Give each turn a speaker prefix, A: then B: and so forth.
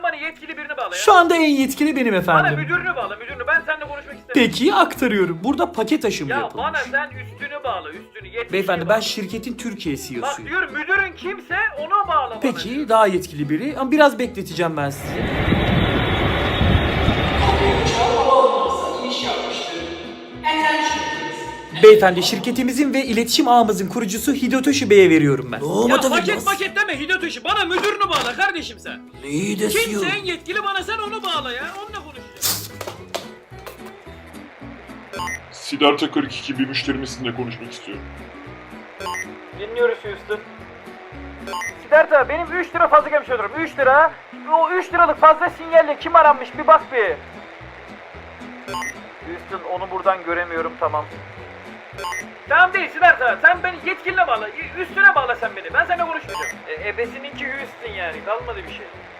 A: bana yetkili birini bağla ya.
B: Şu anda en yetkili benim
A: Bana
B: efendim.
A: müdürünü bağla müdürünü. Ben seninle konuşmak istemiyorum.
B: Peki aktarıyorum. Burada paket aşımı
A: Ya
B: yapılmış.
A: bana sen üstünü bağla üstünü. Yetkili
B: Beyefendi
A: bağla.
B: ben şirketin Türkiye
A: Bak
B: CEO'suyum.
A: diyorum müdürün kimse ona bağla bana.
B: Peki daha yetkili biri ama biraz bekleteceğim ben sizi. Beyefendi şirketimizin ve iletişim ağımızın kurucusu Hidotoshi Bey'e veriyorum ben.
A: Ya paket deme Hidotoshi. Bana müdürünü bağla kardeşim sen.
B: İyi de
A: Kimse en yetkili bana sen onu bağla ya. Onunla konuşacağız.
C: Siddhartha 42 bir müşterimizle konuşmak istiyorum.
A: Dinliyoruz Houston. Siddhartha benim 3 lira fazla gelmiş olurum. 3 lira. O 3 liralık fazla sinyalle kim aranmış bir bak bir. Houston onu buradan göremiyorum tamam. Tamam değil Siddhartha. Sen beni yetkiline bağla. Üstüne bağla sen beni. Ben seninle konuşmayacağım. Ebesininki Houston yani. Kalmadı bir şey.